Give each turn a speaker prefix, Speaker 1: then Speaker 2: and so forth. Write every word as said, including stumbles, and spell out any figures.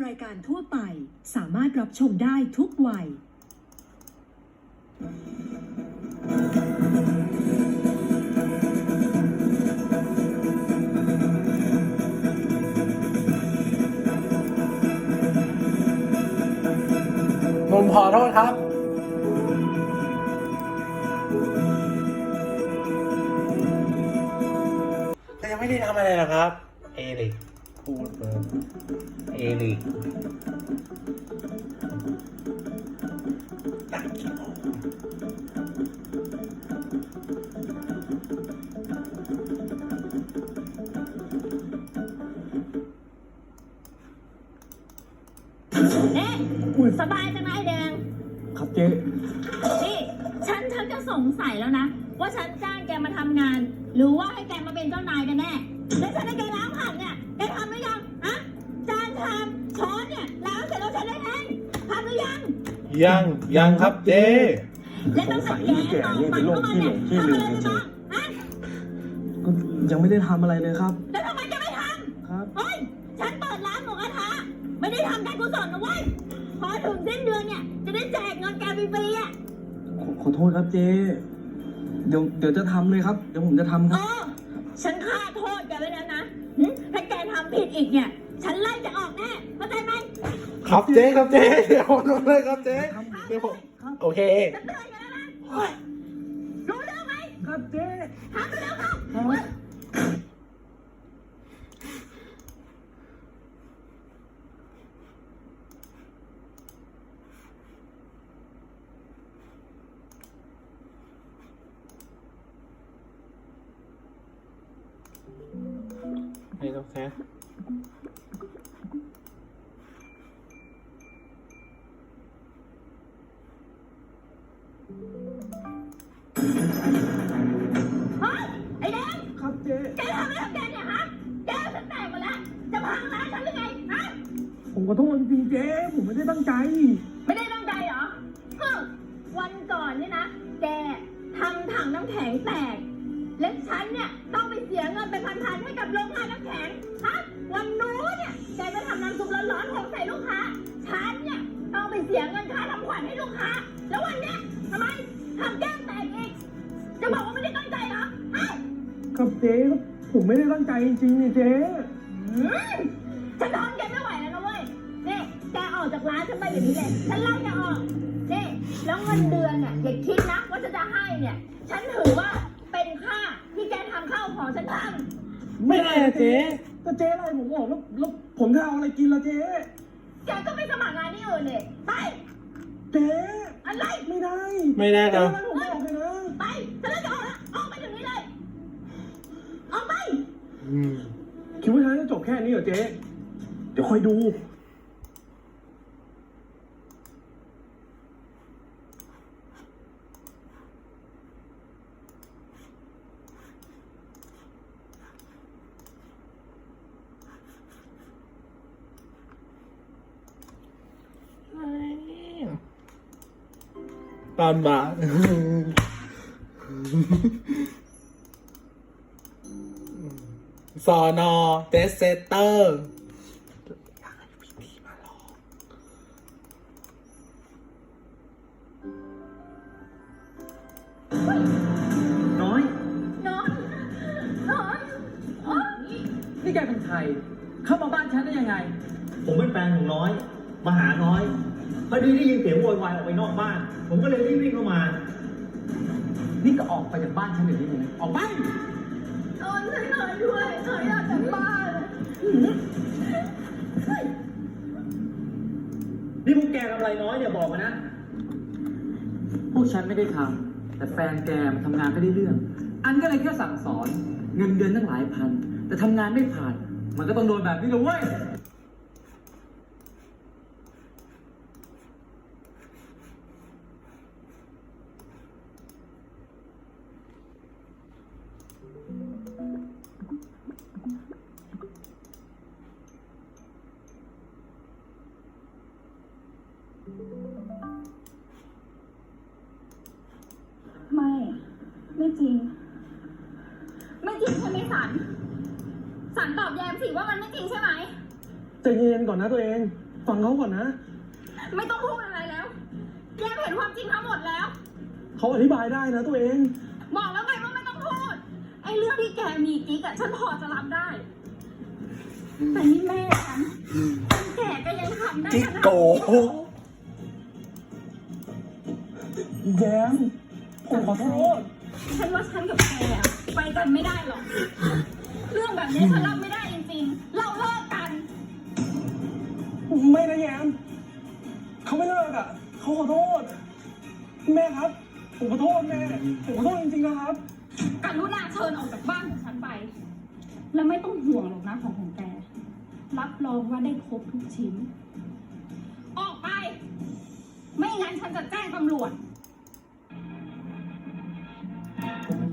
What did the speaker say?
Speaker 1: ายการทั่วไปสามารถรับชมได้ทุกวัย
Speaker 2: ผมขอโทษครับแต่ยังไม่ได้ทำอะไรนะครับ เอริกพูดเลยเอริกอยากกินนม
Speaker 3: เอ๊ะสบายจังนะไอแดง
Speaker 4: ครับเจ๊
Speaker 3: นี่ฉันฉันจะสงสัยแล้วนะ ว่าฉันจ้างแกมาทำงาน หรือว่าให้แกมาเป็นเจ้านายกันแน่แล้วฉันให้แกล้างผักเนี่ยแกทำหรือยังอะจานชามช้อนเนี่ยล้างเสร็จแล้วฉันได้เองทำหรือยัง
Speaker 2: ยังยังครับเจ๊
Speaker 3: และตั้งแต่แกตอกมันเข้ามาเนี่ยทำอะไรไปบ้างฮะ
Speaker 4: ก็ยังไม่ได้ทำอะไรเลยครับ
Speaker 3: แล้วทำไมแกไม่ท
Speaker 4: ครับ
Speaker 3: ำเฮ้ยฉันเปิดร้านหมูกระทะไม่ได้ทำการกุศลนะเว้ยพอถึงสิ้นเดือนเนี่ยจะได้แจกเงินแกฟรีๆอ่ะ
Speaker 4: ขอขอโทษครับเจ๊เดี๋ยวเดี๋ยวจะทำเลยครับ เดี๋ยวผมจะทำค
Speaker 3: เอ
Speaker 4: รับ
Speaker 3: อฉันฆ่าโทษแกไว้แล้วนะหึถ้าแกทำผิดอีกเนี่ย ฉันไล่จะออกแน่เข้าใจไหม
Speaker 2: ครับเจ๊ครับเจ๊เดี๋ยวลงเลยครับเจ๊เดี๋ยวผมโอเค
Speaker 3: ฉันเตือนแกแล้วนะรู้เรื่องไหม
Speaker 4: ครับเจ๊
Speaker 3: ทำไปแล้วครับ
Speaker 2: ไม่ต้องแซะ
Speaker 3: เฮ้ยไอ้แดง
Speaker 4: ครับเจ๊
Speaker 3: แกทำอะไรกับแกเนี่ยฮะแกฉันแตกหมดแล้วจะพังร้านฉันหรือไงฮะ
Speaker 4: ผมขอโทษจริงๆเจ๊ผมไม่ได้ตั้งใจ
Speaker 3: ไม่ได้ตั้งใจเหรอฮึวันก่อนเนี่ยนะ แกทำถังน้ำแข็งแตก และฉันเนี่ยต้องไปเสียเงินเป็นพันๆให้กับโรงงานน้ำแข็ง ฮะ วันนู้นเนี่ยแกไปทำน้ำซุปร้อนๆของใส่ลูกค้า ฉันเนี่ยต้องไปเสียเงินค่าทำขวัญให้ลูกค้า แล้ววันเนี้ยทำไมทำแก้มแตกอีก จะบอกว่าไม่ได้ตั้งใจเหรอฮะ
Speaker 4: ครับเจ๊ครับผมไม่ได้ตั้งใจจริงๆเนี่ยเจ๊
Speaker 3: อืมฉันทนแกไม่ไหวแล้วนะเว้ยนี่แกออกจากร้านฉันไปอย่างนี้เลย ฉันไล่แกออกนี่แล้วเงินเดือนเนี่ยอย่าคิดนะว่าฉันจะให้เนี่ย ฉันถือว่าเป็นค่าที่แกทำข้าวของฉันท
Speaker 2: ไม่ได้นะเจ๊
Speaker 4: ก็เจ๊อะไรผมบอกแล้วแล้วผมจะเอาอะไรกินล่ะเจ๊
Speaker 3: ำแกก็ไปสมัครงานที่อื่นเลยไป
Speaker 4: เจ๊
Speaker 3: อะไร
Speaker 4: ไม่ได้
Speaker 2: ไม่ได้ค
Speaker 4: เจ๊
Speaker 2: รับ
Speaker 4: อะไรผมบอกเลยนะ
Speaker 3: ไปฉันไล่จะออกแล้วออกไปเดี๋ยวนี้เลย ออกไป
Speaker 2: อืม
Speaker 4: คิดว่าฉันจะจบแค่นี้เหรอเจ๊เดี๋ยวคอยดู
Speaker 2: ตอนบ่ายสอนอเดสเซเตอร์อยากให้พี่ตีมาลอง
Speaker 4: น้อย
Speaker 3: นอนนอนอ๋อ
Speaker 4: นี่แกเป็นใคร เข้ามาบ้านฉันได้ยังไง
Speaker 5: ผมเป็นแฟนของน้อย มาหาน้อย พอดีได้ยินเสียงโวยวายออกไปนอกบ้าน ผมก็เลยรีบวิ่งเข้ามา
Speaker 4: นี่ก็ออกไปจากบ้านฉันเดี๋ยวนี้เลยนะออกไป
Speaker 3: นอนช่วยหน่อยด้วยหน่อยอยากกลับบ้าน
Speaker 5: นี่พวกแกทำอะไรน้อยเนี่ยบอกมานะ
Speaker 6: พวกฉันไม่ได้ทำแต่แฟนแกมันทำงานไม่ได้เรื่อง อันก็เลยแค่สั่งสอน เงินเดือนตั้งหลายพัน แต่ทำงานไม่ผ่าน มันก็ต้องโดนแบบนี้เลยเว้ย
Speaker 3: ไม่ ไม่จริง ไม่จริงใช่ไหมสัน สันตอบแยมสิว่ามันไม่จริงใช่ไหม
Speaker 4: ใจเย็นก่อนนะตัวเอง ไฟฟังเขาก่อนนะ
Speaker 3: ไม่ต้องพูดอะไรแล้ว แกเห็นความจริงทั้งหมดแล้ว
Speaker 4: เขาอธิบายได้นะตัวเอง
Speaker 3: บอกแล้วไงว่าไม่ต้องพูด ไอ้เรื่องที่แกมีกิ๊กอะฉันพอจะรับได้ แต่นี่แม่ฉันคนแก่ก็ยังทำได้
Speaker 2: จิ
Speaker 3: ขนาด
Speaker 2: โก
Speaker 3: นี้
Speaker 4: แย้มผมขอโทษ
Speaker 3: ฉันว่าฉันกับแกอะไปกันไม่ได้หรอก เรื่องแบบนี้ฉันรับไม่ได้จริงๆ เราเลิกกัน
Speaker 4: ไม่นะแย้มเขาไม่เลิกอ่ะเขาขอโทษ แม่ครับ ผมขอโทษแม่ ผมขอโทษจริงๆนะครับ
Speaker 3: กรุณาเชิญออกจากบ้านของฉันไป แล้วไม่ต้องห่วงหรอกนะของของแก รับรองว่าได้ครบทุกชิ้น ออกไป ไม่งั้นฉันจะแจ้งตำรวจ